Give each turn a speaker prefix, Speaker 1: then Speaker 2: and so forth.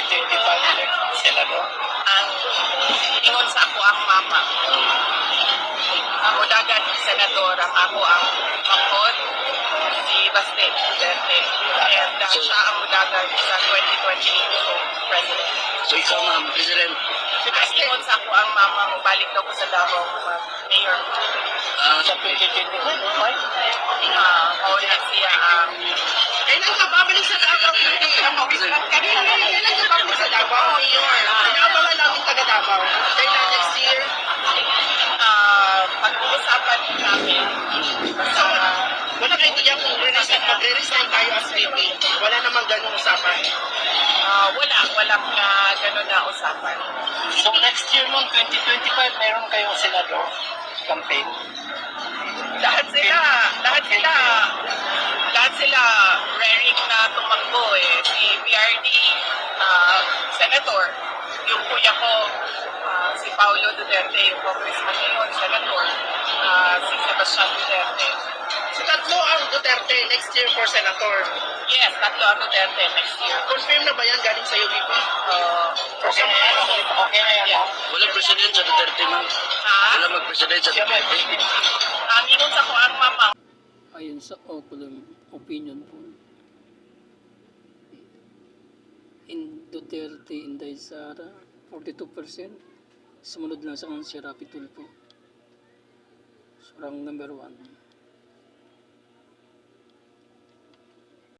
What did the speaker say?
Speaker 1: 2025 senador?
Speaker 2: Ang ingon sa ako ang mama. Ako dagat senador, ako ang angkot, si Baste Duterte. And siya ang dagat sa 2022 president.
Speaker 1: So ikaw, ma'am, President,
Speaker 2: Ingon sa ako ang mama mo, balik daw ko sa Davao, mayor.
Speaker 1: sa 2025,
Speaker 2: Oo na siya
Speaker 3: Kailan ka babalik sa Davao? Kailan ka babalik sa Davao? Inaabangan namin taga Davao. Kailan next year?
Speaker 2: pag-uusapan namin.
Speaker 3: So, wala kayo diyan kung magre-resign tayo as VP. Wala namang ganung usapan.
Speaker 2: Walang gano'n na usapan.
Speaker 1: so next year noong 2025, meron kayong senador campaign.
Speaker 2: Lahat sila raring na tumakbo eh. Si PRD, senator, yung kuya ko, si Paulo Duterte, yung congressman ngayon, senator, si Sebastian Duterte.
Speaker 3: So, tatlo ang Duterte next year for senator.
Speaker 2: Yes, tatlo ang Duterte next year.
Speaker 3: Confirm na ba yan galing sa'yo, VP?
Speaker 1: Okay na yan, okay na yan.
Speaker 2: Yeah.
Speaker 1: Walang president sa Duterte, ma'am. Wala mag-president sa Duterte.
Speaker 2: Ang ingon sa ko ang mama.
Speaker 4: Ayon sa Oculum opinion po, in Duterte, Inday Sara, 42%. Sumunod lang sa kanya si Rapi Tulfo. So, rank number 1.